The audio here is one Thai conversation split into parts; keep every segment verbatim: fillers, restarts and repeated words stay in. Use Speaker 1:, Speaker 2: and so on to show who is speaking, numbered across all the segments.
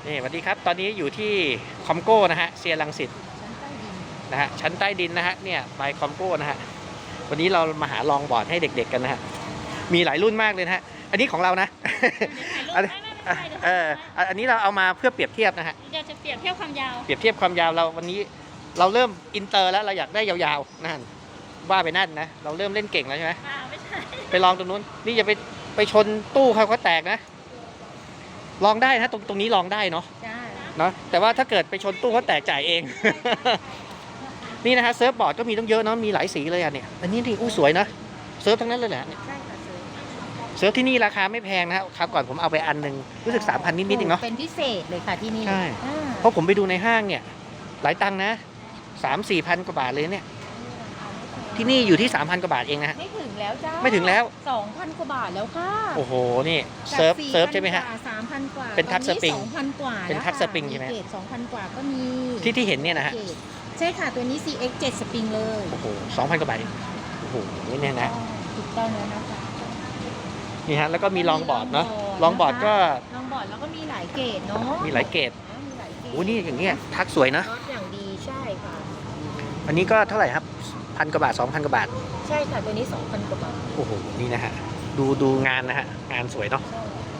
Speaker 1: นี่สวัสดีครับตอนนี้อยู่ที่คอมโก้นะฮะเซียรังสิตนะฮะชั้นใต้ดินนะฮะเนี่ยบายคอมโก้นะฮะวันนี้เรามาหาลองบอร์ดให้เด็กๆกันนะฮะมีหลายรุ่นมากเลยนะฮะอันนี้ของเรานะอันเอออันนี้เราเอามาเพื่อเปรียบเทียบนะฮะ
Speaker 2: เดี๋ยวจะเปรียบเทียบความยาว
Speaker 1: เปรียบเทียบความยาวเราวันนี้เราเริ่มอินเตอร์แล้วเราอยากได้ยาวๆนั่นว่าไปนั่นนะเราเริ่มเล่นเก่งแล้วใช่ไหม
Speaker 2: ไม่ใช่
Speaker 1: ไปลองตรงนู้นนี่จะไปไปชนตู้เขาก็แตกนะลองได้นะตรงตรงนี้ลองได้เนาะเนาะแต่ว่าถ้าเกิดไปชนตู้เขาแตกจ่ายเอง นี่นะฮะเซิร์ฟบอร์ดก็มีต้องเยอะเนาะมีหลายสีเลยอ่ะเนี่ยอันนี้ที่อู้สวยนะเซิร์ฟทั้งนั้นเลยแหละเนี่ยเซิร์ฟที่นี่ราคาไม่แพงนะฮะคราวก่อนผมเอาไปอันหนึ่งรู้สึกสามพันนิดๆเองเนาะ
Speaker 3: เป็นพิเศษเลยค่ะที่นี่
Speaker 1: ใช่เพราะผมไปดูในห้างเนี่ยหลายตังค์นะสามสี่พันกว่าบาทเลยเนี่ยที่นี่อยู่ที่สามพันกว่าบาทเองนะฮะ
Speaker 3: ไม่ถึงแล้วจ้า
Speaker 1: ไม่ถึงแล้ว
Speaker 3: สองพันกว่าบาทแล้วค่ะ
Speaker 1: โอ้โหนี่เซิร์ฟเซิร์ฟใช่ไหมฮะ
Speaker 3: สามพันกว่า
Speaker 1: เป็นทัชสปริง
Speaker 3: สองพันกว่า
Speaker 1: เป็นทัชสปริงใช่ไหม
Speaker 3: เกรดสองพันกว่าก็มี
Speaker 1: ที่ที่เห็นเนี่ยนะฮะ
Speaker 3: ใช่ค่ะตัวนี้ ซี เอ็กซ์ เจ็ด สปริงเลย
Speaker 1: โอ้โหสองพันกว่าบาทโอ้โหเนี่ยนะ
Speaker 3: ถูกต้องแล้วนะคะ
Speaker 1: นี่ฮะแล้วก็มีลองบอร์ดเนาะลองบอร์ดก็
Speaker 3: ลองบอร์ดแล้วก็มีหลายเกรดเนาะ
Speaker 1: มีหลายเกรดโอ้นี่อย่างเงี้ยทักสวยนะ
Speaker 3: รถอย่างดีใช่ค่ะ
Speaker 1: อันนี้ก็เท่าไหร่ครับพันกว่าบาทสองพันกว่าบาท
Speaker 3: ใช่ค่ะตัวนี้สองพันกว่าบาท
Speaker 1: โอ้โหนี่นะฮะดูดูงานนะฮะงานสวยเนาะ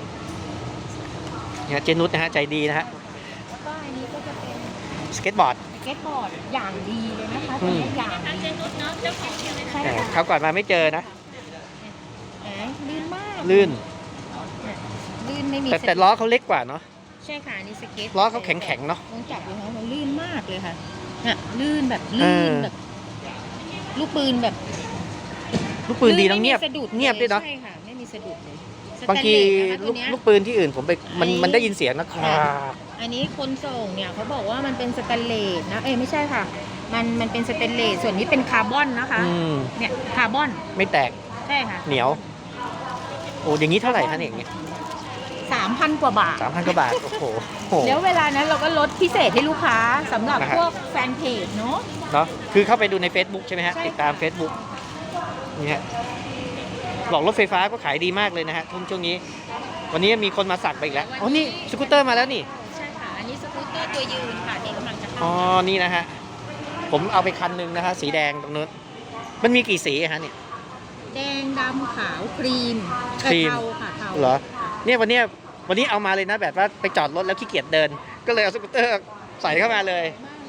Speaker 1: เนี่ยเจนุสนะฮะใจดีนะฮะ
Speaker 3: แล้วก็อันนี้ก็จะเป็น
Speaker 1: สเก็ตบอร์ด
Speaker 3: สเก็ตบอร์ดอย่างดีเลยนะคะตัวนี้อย่างดี
Speaker 2: เจนุสเนาะเจ้าของใช่ไหม
Speaker 1: ใช่คราวก่อนมาไม่เจอนะ
Speaker 3: ลื่นมาก
Speaker 1: ลื่น
Speaker 3: ลื่นไม่มี
Speaker 1: แต่แต่ล้อเขาเล็กกว่าเนาะ
Speaker 3: ใช่ค่ะนี่สเก็ต
Speaker 1: ล้อเขาแข็งแข็งเนาะ
Speaker 3: ลองจับดูนะมันลื่นมากเลยค่ะเนี่ยลื่นแบบลื่นแบบลูกปืนแบบ
Speaker 1: ลูกปืนดีต้องเงียบเงียบด้วยเนาะ
Speaker 3: ใช่ค่ะไม่มีสะดุดเลย
Speaker 1: บางทีลูกลูกปืนที่อื่นผมไปมันมันได้ยินเสียงนะครับ
Speaker 3: อันนี้คนส่งเนี่ยเขาบอกว่ามันเป็นสแตนเลสนะเอ้ยไม่ใช่ค่ะมันมันเป็นสแตนเลสส่วนนี้เป็นคาร์บอนนะคะเนี่ยคาร์บอน
Speaker 1: ไม่แตก
Speaker 3: ใช่ค่ะ
Speaker 1: เหนียวโอ้อย่างนี้เท่าไหร่คะเนี่ย
Speaker 3: สามพันกว่าบาท
Speaker 1: สามพันกว่าบาทโอ้โห
Speaker 3: แล้วเวลานั้นเราก็ลดพิเศษให้ลูกค้าสำหรับพวกแฟนเพจเนาะ
Speaker 1: เนาะคือเข้าไปดูใน Facebook ใช่ไหมฮะติดตาม Facebook นี่ฮะบอกรถไฟฟ้าก็ขายดีมากเลยนะฮะทุกช่วงนี้วันนี้มีคนมาสั่งไปอีกแล้วอ๋อนี่สกูตเตอร์มาแล้วนี่
Speaker 3: ใช่ค่ะอันนี้สกูตเตอร์ตัวยืนค่ะที่กำลังจะเข้า
Speaker 1: อ๋อนี่นะฮะผมเอาไปคันนึงนะฮะสีแดงตรงนู้นมันมีกี่สีฮะเนี่ย
Speaker 3: แดงดำขาวครีม
Speaker 1: ครีม
Speaker 3: ค่ะเทา
Speaker 1: เหรอเนี่ยวันนี้วันนี้เอามาเลยนะแบบว่าไปจอดรถแล้วขี้เกียจเดินก็เลยเอาสกูตเตอร์ใส่เข้ามาเลย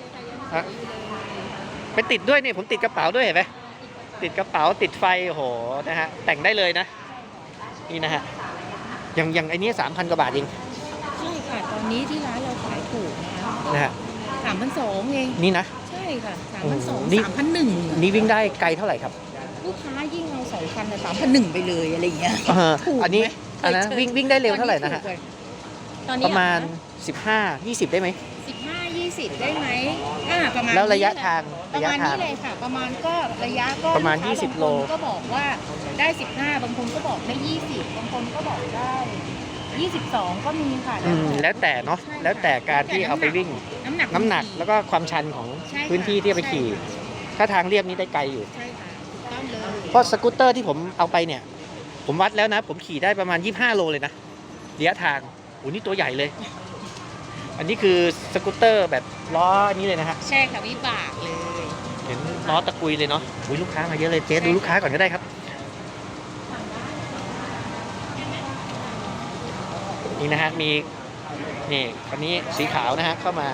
Speaker 1: ไปติดด้วยเนี่ยผมติดกระเป๋าด้วยเห็นไหมติดกระเป๋าติดไฟโอ้โหนะฮะแต่งได้เลยนะนี่นะฮะอย่างอย่างไอ้นี้สามพันกว่าบาทเอง
Speaker 3: ใช่ค่ะตอนนี้ที่ร้านเราขายถูก
Speaker 1: นะฮะ
Speaker 3: สามพันสองเอง
Speaker 1: นี่นะ
Speaker 3: ใช่ค่ะสามพันสองสามพันหนึ่ง
Speaker 1: นี่วิ่งได้ไกลเท่าไหร่ครับ
Speaker 3: ลูกค้ายิ่งเอาสองพันแต่สามพันหนึ่งไปเลยอะไรอย่างเงี้ย
Speaker 1: ถูกอันนี้อันนั้นวิ่งวิ่งได้เร็วเท่าไหร่นะฮะประมาณสิบห้า ยี่สิบได้ไหม
Speaker 3: สิบห้า ยี่สิบได้ไหมอ่าประมาณ
Speaker 1: แล้วระยะทาง
Speaker 3: ประมาณนี้เลยค่ะประมาณก็ระยะก็
Speaker 1: ประมาณยี่สิบโล
Speaker 3: ก็บอกว่าได้สิบห้าบางคนก็บอกได้ยี่สิบบางคนก็บอกได้ยี่สิบสองก็มีค่ะ
Speaker 1: แล้วแต่เนาะแล้วแต่การที่เอาไปวิ่งน้ำหนักน้ำหนักแล้วก็ความชันของพื้นที่ที่ไปขี่ถ้าทางเรียบนี้ได้ไกลอยู่
Speaker 3: ใช่ค่ะถูกต้องเลย
Speaker 1: เพราะสกูตเตอร์ที่ผมเอาไปเนี่ยผมวัดแล้วนะผมขี่ได้ประมาณยี่สิบห้าโลเลยนะระยะทางโอ้นี่ตัวใหญ่เลยอันนี้คือสกูตเตอร์แบบล้ออันนี้เลยนะฮะ
Speaker 3: ใช่ค่ะวิบากเลย
Speaker 1: เห็นล้อตะกุยเลยเนาะอุ้ยลูกค้ามาเยอะเลยเจ๊ดูลูกค้าก่อนก็ได้ครับนี่นะฮะมีนี่คันนี้สีขาวนะฮะเข้ามา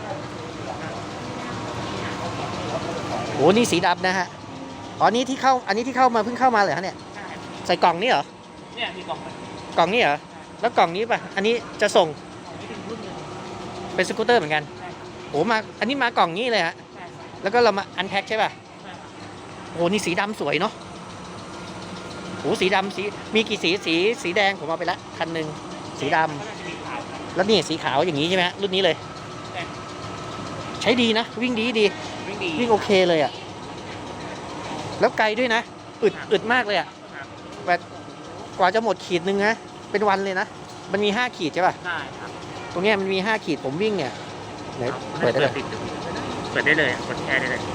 Speaker 1: โอ้นี่สีดำนะฮะอ๋อนี้ที่เข้าอันนี้ที่เข้ามาเพิ่งเข้ามาเลยฮะเนี่ยใส่กล่องนี่เหรอ
Speaker 2: เนี่ยมีกล่อง
Speaker 1: กล่องนี่เหรอแล้วกล่องนี้ป่ะอันนี้จะส่งเป็นสกูตเตอร์เหมือนกันโอ้มาอันนี้มากล่องนี้เลยฮะแล้วก็เรามาอันแพ็คใช่ป่ะโอ้นี่สีดำสวยเนาะโอ้สีดำสีมีกี่สีสีสีแดงผมเอาไปละคันหนึ่งสีดำแล้วนี่สีขาวอย่างนี้ใช่ไหมรุ่นนี้เลยใช้ดีนะวิ่งดีดีวิ่งโอเคเลยอ่ะแล้วไกลด้วยนะอึดอึดมากเลยอ่ะแบบกว่าจะหมดขีดนึงนะเป็นวันเลยนะมันมีห้าขีดใช่ป่ะ
Speaker 2: ใช่ครับ
Speaker 1: ตรงนี้มันมีห้าขีดผมวิ่งเนี่ยไหนเปิดได้เลย
Speaker 2: เปิดได้เลยกดแชร์ได้เลย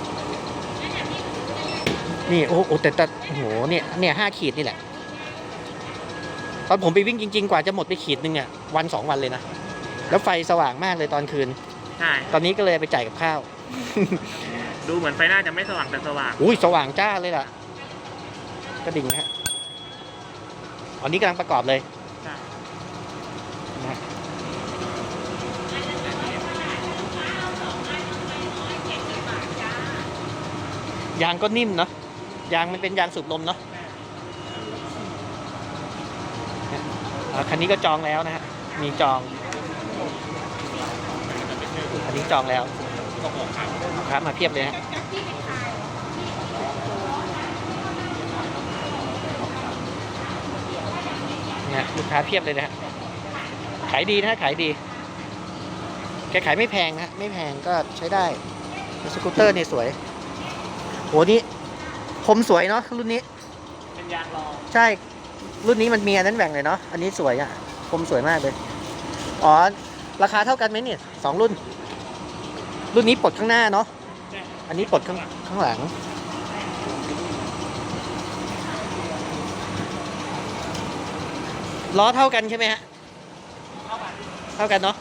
Speaker 1: นี่โอ้โหแต่แต่โอ้โหเนี่ยเนี่ยห้าขีดนี่แหละตอนผมไปวิ่งจริงๆกว่าจะหมดไปขีดนึงเนี่ยวันสองวันเลยนะแล้วไฟสว่างมากเลยตอนคืน
Speaker 2: ใช่
Speaker 1: ตอนนี้ก็เลยไปจ่ายกับข้าว
Speaker 2: ดูเหมือนไฟหน้าจะไม่สว่างแต่สว่าง
Speaker 1: อุ้ยสว่างจ้าเลยล่ะกระดิ่งนะฮะอันนี้กำลังประกอบเลย
Speaker 2: ใช่
Speaker 1: นะฮะยางก็นิ่มเนาะยางมันเป็นยางสูบลมเนาะอ่าคันนี้ก็จองแล้วนะฮะมีจองอันนี้จองแล้วครับมาเพียบเลยฮะเนี่ยลูกค้าเพียบเลยนะฮะขายดีนะฮะขายดีแกขายไม่แพงนะฮะไม่แพงก็ใช้ได้สกูตเตอร์เนี่ยสวยโหนี่คมสวยเนาะรุ่นนี้
Speaker 2: เป็นยางรอง
Speaker 1: ใช่รุ่นนี้มันมีอันนั้นแบ่งเลยเนาะอันนี้สวยอ่ะคมสวยมากเลยอ๋อราคาเท่ากันไหมเนี่ยสองรุ่น รุ่นนี้ปลดข้างหน้าเนาะอันนี้ปลดข้างข้างหลังล้อเท่ากันใช่ไหมฮะเท่ากันเนาะ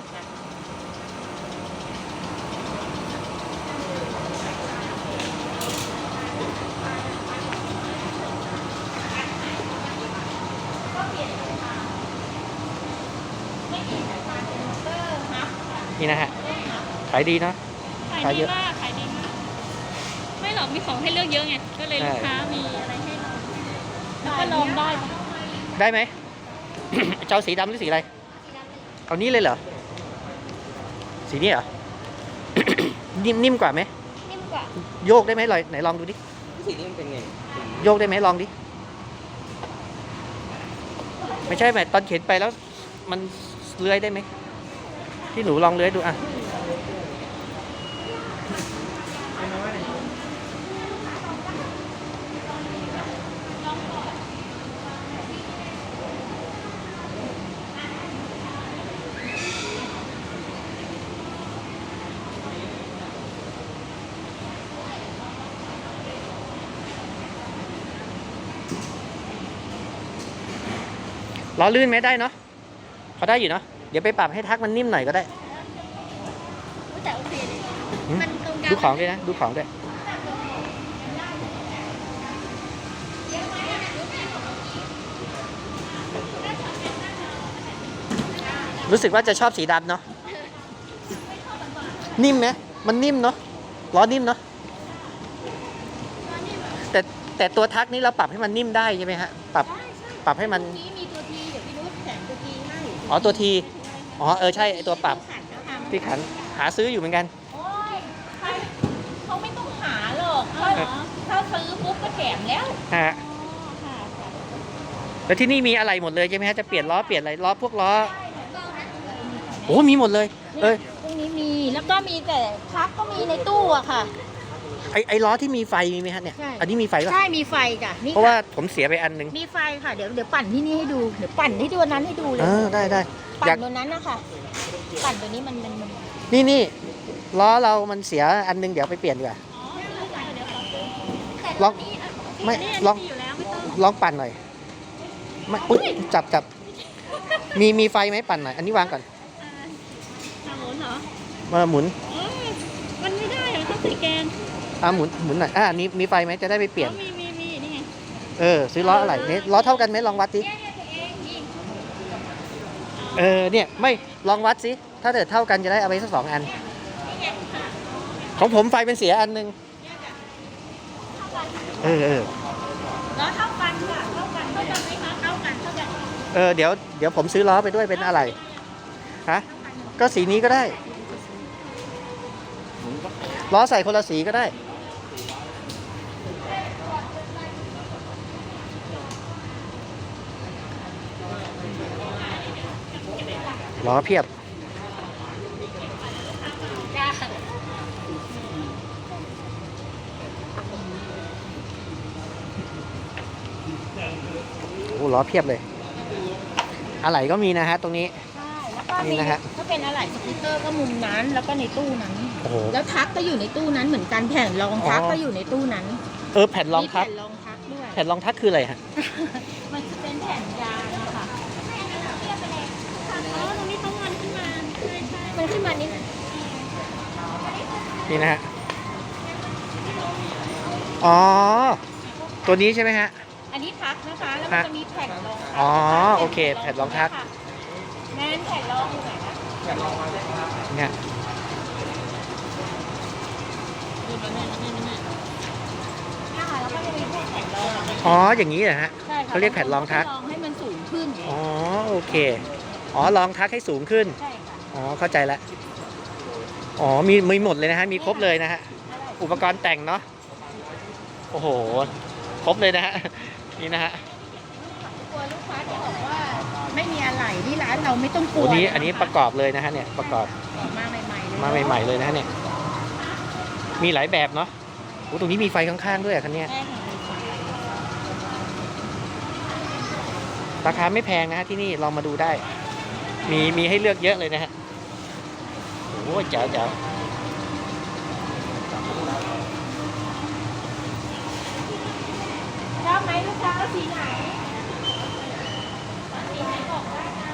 Speaker 1: นี่นะฮะขายดีเนาะ
Speaker 2: ขาย
Speaker 1: ขายเย
Speaker 2: ดี
Speaker 1: อะ
Speaker 2: มากขายดีมากไม่หรอกมีของให้เลือกเยอะไงก็เลย
Speaker 1: ใช่
Speaker 2: ลูกค้ามีอะไรให้ลองแล้วก็ลองได้ปะ
Speaker 1: ได้ไหม เจ้าสีดำหรือสีอะไรเอานี้เลยเหรอสีนี้เหรอ นิ่มนิ่มกว่าไหม
Speaker 2: นิ่มกว่า
Speaker 1: โยกได้ไหมลอยไหนลองดูดิ
Speaker 4: สีนี้มันเป็นไง
Speaker 1: โยกได้ไหมลองดิไม่ใช่ไหมตอนเข็นไปแล้วมันเลื้อยได้ไหมที่หนูลองเลื้อยดูอ่ะล้อลื่นไหมได้เนาะพอได้อยู่เนาะเดี๋ยวไปปรับให้ทักมันนิ่มหน่อยก็ได้
Speaker 2: แต่โอเคเลย
Speaker 1: หืม
Speaker 2: มันตรงกลาง
Speaker 1: ดูของด้วยนะดูของด้วยรู้สึกว่าจะชอบสีดำเนาะนิ่มไหมมันนิ่มเนาะล้อนิ่มเนาะแต่แต่ตัวทักนี้เราปรับให้มันนิ่มได้ใช่ไหมฮะปรับปรับให้มัน
Speaker 3: นี้มีตัวทีเดี๋ยวพี่นุชแถมตัวทีให้
Speaker 1: อ๋อตัวทีอ๋อเออใช่ไอตัวปรับ
Speaker 3: ขันนะคะ
Speaker 1: ที่ขันหาซื้ออยู่เหมือนกัน
Speaker 3: โอ้ยใครเขาไม่ต้องหาหรอกถ้าถ้าซื้อปุ๊บก็แถมแล้ว
Speaker 1: ฮะ
Speaker 3: ค่ะ
Speaker 1: แล้วที่นี่มีอะไรหมดเลยใช่ไหมฮะจะเปลี่ยนล้อเปลี่ยนอะไรล้อพวกล้อโอ้มีหมดเลยเออ
Speaker 3: ตรงนี้มีแล้วก็มีแต่พักก็มีในตู้อะค่ะ
Speaker 1: ไอไอล้อที่มีไฟมีไหมฮะเนี่ย
Speaker 3: ใช่
Speaker 1: อันนี้มีไฟป่ะ
Speaker 3: ใช่มีไฟจ้ะนี่
Speaker 1: เพราะว่า
Speaker 3: ค่ะ
Speaker 1: ผมเสียไปอันนึง
Speaker 3: มีไฟค่ะเดี๋ยวเดี๋ยวปั่นที่นี่ให้ดูเดี๋ยวปั่นที่ตัวนั้นให้ดูเลย
Speaker 1: เออได้ได้
Speaker 3: ปั่
Speaker 1: อยาก
Speaker 3: นตัวนั้นนะคะปั่นตัวนี้มันมันมัน
Speaker 1: นี่นี่ล้อเรามันเสียอันนึงเดี๋ยวไปเปลี่ยนดีกว่าลองไม่ลอง
Speaker 2: อยู่แล้วไม่ต้อง
Speaker 1: ลองปั่นหน่อยไม่อุ๊ยจับจับมีมีไฟไหมปั่นหน่อยอันนี้วางก่อน
Speaker 2: ทางโน้นเหรอ
Speaker 1: มาหมุน
Speaker 2: เออมันไม่ได้เหรอต้องใส่แกน
Speaker 1: อ่าหมุนหมุนหน่อยอ่านี่มีไฟไหมจะได้ไปเปลี่ยน
Speaker 2: อ๋อมีมีมีนี่ไง
Speaker 1: เออซื้อล้ออะไรเนี่ยล้อเท่ากันไหมลองวัดสิเออเนี่ยไม่ลองวัดสิถ้าเกิดเท่ากันจะได้เอาไปสักสองอัน ของผมไฟเป็นเสียอันหนึงเออเออ
Speaker 3: แล้วเท่ากันค่ะเท่ากันเท่ากันไหมคะเท่ากันเท่ากัน
Speaker 1: เออเดี๋ยวเดี๋ยวผมซื้อล้อไปด้วยเป็นอะไรฮะก็สีนี้ก็ได้ล้อใส่คนละสีก็ได้ล้อเพียบโอ้ล้อเพียบเลยอะไหล่ก็มีนะฮะตรงนี้
Speaker 3: ใช่แล้วก็
Speaker 1: นี่
Speaker 3: มี
Speaker 1: นะฮะ
Speaker 3: ถ้าเป็นอะไรสกูตเตอร์ก็มุมนั้นแล้วก็ในตู้นั้น
Speaker 1: โอ้โห
Speaker 3: แล้วทักก็อยู่ในตู้นั้นเหมือนกันแผ่นรองทัก
Speaker 1: อ๋อ
Speaker 3: ก็อยู่ในตู้นั้น
Speaker 1: เออแผ่นรองทับ
Speaker 3: มีแผ่นรองทักด้วย
Speaker 1: แผ่นรองทับคืออะไรฮะ
Speaker 3: มันจะเป็นแผ่นยางอะค่ะ
Speaker 2: อ๋อตรงนี้เขางอนขึ้นมาใช่
Speaker 3: มันขึ้นมานิด
Speaker 1: นี่นะฮะ อ๋อ ตัวนี้ใช่ไหมฮะ
Speaker 3: อันนี้ทักนะคะ แล้วมันจะมีแผ่นรอง
Speaker 1: อ๋อโอเคแผ่นรองทัก
Speaker 3: แม่นแผ่นรองอยู่ไหนนะ
Speaker 1: เนี่ย
Speaker 3: เนี่ยค่ะแล้วก็จะมีพวกแผ่นรอง
Speaker 1: อ๋อ อย่างนี้เหรอฮะ
Speaker 3: ใช่ค่ะ
Speaker 1: เขาเรียกแผ่นรองทัก
Speaker 3: รองให้มันสูงขึ้น
Speaker 1: อ๋อ โอเค อ๋อ รองทักให้สูงขึ้น
Speaker 3: ใช่ค่ะ
Speaker 1: อ๋อ เข้าใจแล้ว อ๋อ มีมีหมดเลยนะฮะ มีครบเลยนะฮะ อุปกรณ์แต่งเนาะ โอ้โห ครบเลยนะฮะ นี่นะฮะ
Speaker 3: กลัวลูกค้าจะบอกว่าไม่มีอะไรที่ร้านเราไม่ต้องกลั
Speaker 1: โอ้
Speaker 3: ว
Speaker 1: นี้อันนี้ประกอบเลยนะฮะเนี่ย ประกอบ
Speaker 3: มาใหม่ๆเลย
Speaker 1: มาใหม่ๆเลยนะฮะเนี่ย มีหลายแบบเนาะโอ้ตรงนี้มีไฟข้างๆด้วยอะคันเนี้ย
Speaker 3: ใช่ค่ะ
Speaker 1: ราคาไม่แพงนะฮะที่นี่ลองมาดูได้ มีมีให้เลือกเยอะเลยนะฮะ โอ้ยเจ๋วเจ๋ว
Speaker 3: ชอบไหมลูกค้าเอาสีไหนสีไหนบอกได้นะ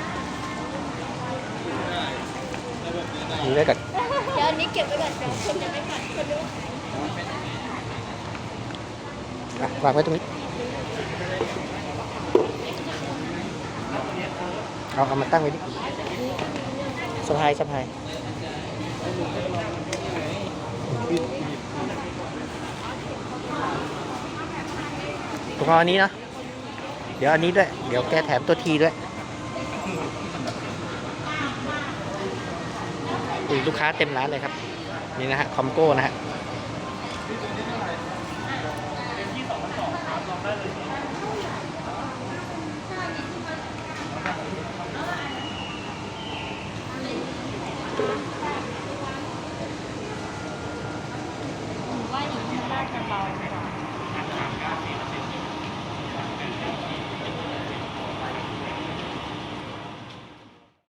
Speaker 1: ดูได้กับ
Speaker 3: เดี๋ยวอันนี้เก็บไว้ก่อนเดี๋ยวคนจะไม่กัดคนดู
Speaker 1: อ่ะวางไว้ตรงนี้ เอาเอามาตั้งไว้ดิสะพายสะพายผมเอาอันนี้นะ เดี๋ยวอันนี้ด้วย เดี๋ยวแกแถมตัวทีด้วยอุ้ยลูกค้าเต็มร้านเลยครับ นี่นะฮะ คอมโก้นะฮะ
Speaker 2: ว่าอย่างนี้มันน่าจะเบา